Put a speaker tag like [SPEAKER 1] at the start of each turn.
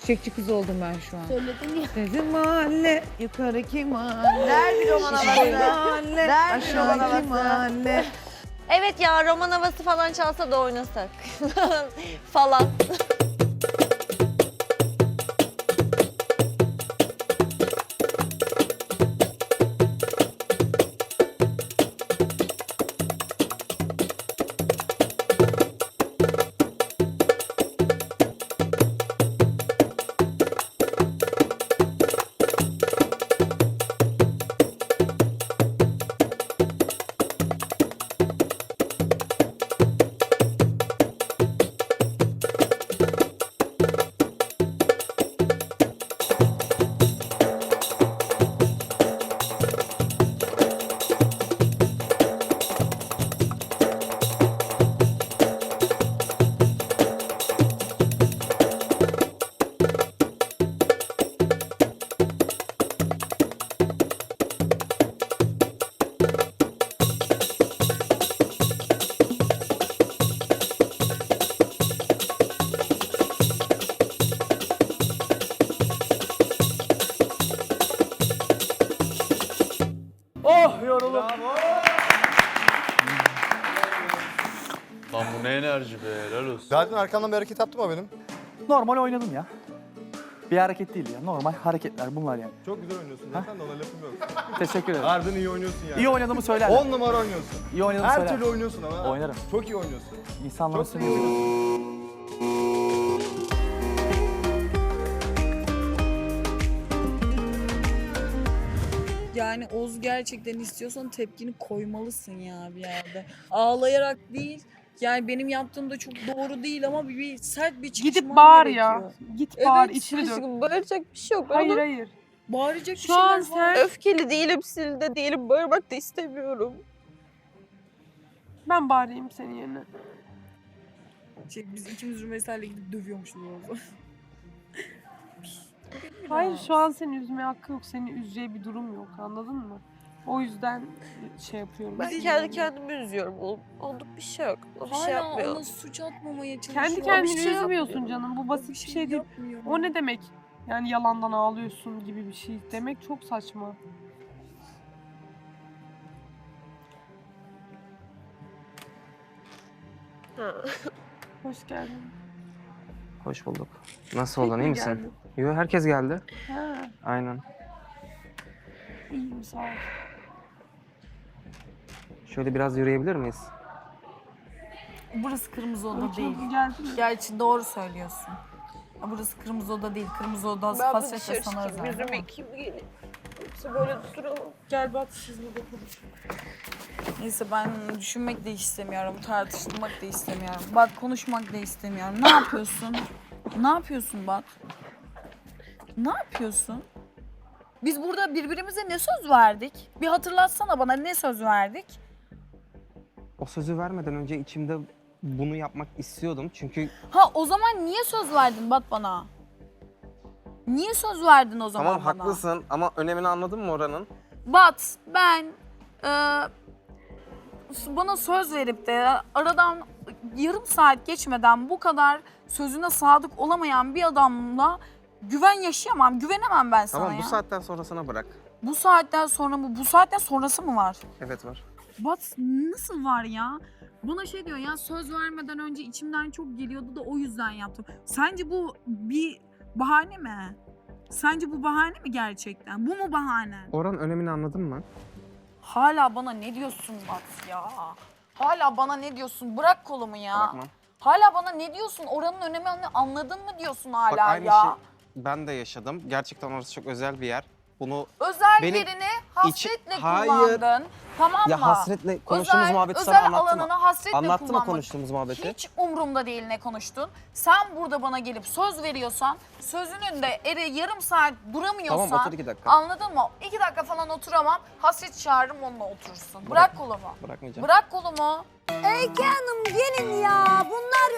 [SPEAKER 1] Çiçekçi kız oldum ben şu an.
[SPEAKER 2] Söyledin ya.
[SPEAKER 1] Bizim mahalle, yukarıki mahalle.
[SPEAKER 3] Ver bir roman havası.
[SPEAKER 1] Mahalle,
[SPEAKER 3] Ver bir roman
[SPEAKER 1] aşağıki
[SPEAKER 3] havası.
[SPEAKER 1] mahalle.
[SPEAKER 4] Evet ya, roman havası falan çalsa da oynasak. falan.
[SPEAKER 5] Oh yoruldum.
[SPEAKER 6] Lan bu ne enerji be, helal olsun.
[SPEAKER 7] Zaten arkamdan bir hareket yaptım mı benim?
[SPEAKER 5] Normal oynadım ya. Bir hareket değil ya. Normal hareketler bunlar yani.
[SPEAKER 7] Çok güzel oynuyorsun. Zaten de ona lafım yok.
[SPEAKER 5] Teşekkür ederim.
[SPEAKER 7] Harbiden iyi oynuyorsun yani.
[SPEAKER 5] İyi oynadığımı söyler.
[SPEAKER 7] 10 numara oynuyorsun.
[SPEAKER 5] İyi oynadığımı
[SPEAKER 7] Her
[SPEAKER 5] söyler.
[SPEAKER 7] türlü oynuyorsun ama.
[SPEAKER 5] Oynarım.
[SPEAKER 7] Çok iyi oynuyorsun.
[SPEAKER 5] İnsanların
[SPEAKER 7] Çok
[SPEAKER 5] üstüne yürüyorum.
[SPEAKER 8] Yani Oz gerçekten istiyorsan tepkini koymalısın ya bir yerde. Ağlayarak değil. Yani benim yaptığım da çok doğru değil ama bir sert bir çıkışman
[SPEAKER 9] Gidip bağır
[SPEAKER 8] gerekiyor.
[SPEAKER 9] ya. Git bağır,
[SPEAKER 8] Evet,
[SPEAKER 9] içini dök.
[SPEAKER 4] Aşkım, bağıracak bir şey yok.
[SPEAKER 9] Hayır
[SPEAKER 4] Oğlum,
[SPEAKER 9] hayır.
[SPEAKER 8] Bağıracak bir
[SPEAKER 9] Şu
[SPEAKER 8] şeyler
[SPEAKER 9] an
[SPEAKER 8] var.
[SPEAKER 9] sen...
[SPEAKER 4] öfkeli değilim, sinirde değilim. Bağırmak da istemiyorum.
[SPEAKER 9] Ben bağırayım senin yerine.
[SPEAKER 8] Biz ikimiz Rümeysa'yla gidip dövüyormuşuz Oz'u.
[SPEAKER 9] Hayır şu an seni üzmeye hakkı yok. Seni üzeceği bir durum yok, anladın mı? O yüzden şey yapıyorum.
[SPEAKER 4] Ben kendi kendimi üzüyorum oğlum. Olduk bir şey yok. O bir şey
[SPEAKER 8] Hala
[SPEAKER 4] yapmıyor.
[SPEAKER 8] ona suç atmamaya çalışıyor.
[SPEAKER 9] Kendi
[SPEAKER 8] O
[SPEAKER 9] kendini
[SPEAKER 8] bir şey
[SPEAKER 9] üzmüyorsun
[SPEAKER 8] yapmıyor.
[SPEAKER 9] canım. Bu
[SPEAKER 8] O
[SPEAKER 9] basit bir şey değil.
[SPEAKER 8] yapmıyor.
[SPEAKER 9] O ne demek? Yani yalandan ağlıyorsun gibi bir şey demek çok saçma.
[SPEAKER 4] Ha.
[SPEAKER 9] Hoş geldin.
[SPEAKER 10] Hoş bulduk. Nasıl
[SPEAKER 9] Tek
[SPEAKER 10] oldun,
[SPEAKER 9] mi
[SPEAKER 10] iyi misin?
[SPEAKER 9] geldin?
[SPEAKER 10] Yo, herkes geldi.
[SPEAKER 9] Ha,
[SPEAKER 10] Aynen.
[SPEAKER 9] iyiyim sağ ol.
[SPEAKER 10] Şöyle biraz yürüyebilir miyiz?
[SPEAKER 8] Burası kırmızı oda
[SPEAKER 9] Öykü
[SPEAKER 8] değil.
[SPEAKER 9] abla geldin mi?
[SPEAKER 8] Gerçi doğru söylüyorsun. Ya burası kırmızı oda değil. Kırmızı oda
[SPEAKER 4] Ben bir
[SPEAKER 8] hasretle
[SPEAKER 4] dışarı
[SPEAKER 8] sana
[SPEAKER 4] çıkayım,
[SPEAKER 8] özel.
[SPEAKER 4] yüzümü
[SPEAKER 8] değil mi?
[SPEAKER 4] yıkayayım geleyim. Yoksa böyle duramam.
[SPEAKER 9] Gel bak siz burada konuşun.
[SPEAKER 8] Neyse ben düşünmek de istemiyorum. Tartışmak da istemiyorum. Bak konuşmak da istemiyorum. Ne yapıyorsun? Ne yapıyorsun bak? Ne yapıyorsun? Biz burada birbirimize ne söz verdik? Bir hatırlatsana bana ne söz verdik?
[SPEAKER 10] O sözü vermeden önce içimde bunu yapmak istiyordum. Çünkü
[SPEAKER 8] Ha o zaman niye söz verdin Bat bana? Niye söz verdin o zaman
[SPEAKER 10] tamam
[SPEAKER 8] bana?
[SPEAKER 10] haklısın ama önemini anladın mı oranın?
[SPEAKER 8] Bat ben bana söz verip de aradan yarım saat geçmeden bu kadar sözüne sadık olamayan bir adamla güven yaşayamam, güvenemem ben sana
[SPEAKER 10] Tamam
[SPEAKER 8] ya.
[SPEAKER 10] bu saatten sonrasına bırak.
[SPEAKER 8] Bu saatten sonra mı? Bu saatten sonrası mı var?
[SPEAKER 10] Evet var.
[SPEAKER 8] Bat nasıl var ya? Bana şey diyor ya söz vermeden önce içimden çok geliyordu da o yüzden yaptım. Sence bu bir bahane mi? Sence bu bahane mi gerçekten? Bu mu bahane?
[SPEAKER 10] Oranın önemini anladın mı?
[SPEAKER 8] Hala bana ne diyorsun Bat ya? Hala bana ne diyorsun? Bırak kolumu ya.
[SPEAKER 10] Bırakmam.
[SPEAKER 8] Hala bana ne diyorsun? Oranın önemini anladın mı diyorsun hala
[SPEAKER 10] Bak aynı
[SPEAKER 8] ya?
[SPEAKER 10] şey ben de yaşadım. Gerçekten orası çok özel bir yer. Bunu
[SPEAKER 8] Özel
[SPEAKER 10] Benim
[SPEAKER 8] yerini hasretle
[SPEAKER 10] Hayır.
[SPEAKER 8] kullandın. Tamam mı?
[SPEAKER 10] ya hasretle konuştuğumuz muhabbeti sana
[SPEAKER 8] özel
[SPEAKER 10] anlattım mı?
[SPEAKER 8] alanını hasretle
[SPEAKER 10] Anlattı mı
[SPEAKER 8] kullanmak.
[SPEAKER 10] konuştuğumuz muhabbeti?
[SPEAKER 8] Hiç umurumda değil ne konuştun. Sen burada bana gelip söz veriyorsan, sözünün de yarım saat duramıyorsan...
[SPEAKER 10] Tamam, otur 2 dakika.
[SPEAKER 8] Anladın mı? 2 dakika falan oturamam. Hasret çağırırım onunla oturursun. Bırak kolumu.
[SPEAKER 10] Bırakmayacağım.
[SPEAKER 8] Bırak kolumu.
[SPEAKER 3] Öykü Hanım gelin ya. Bunlar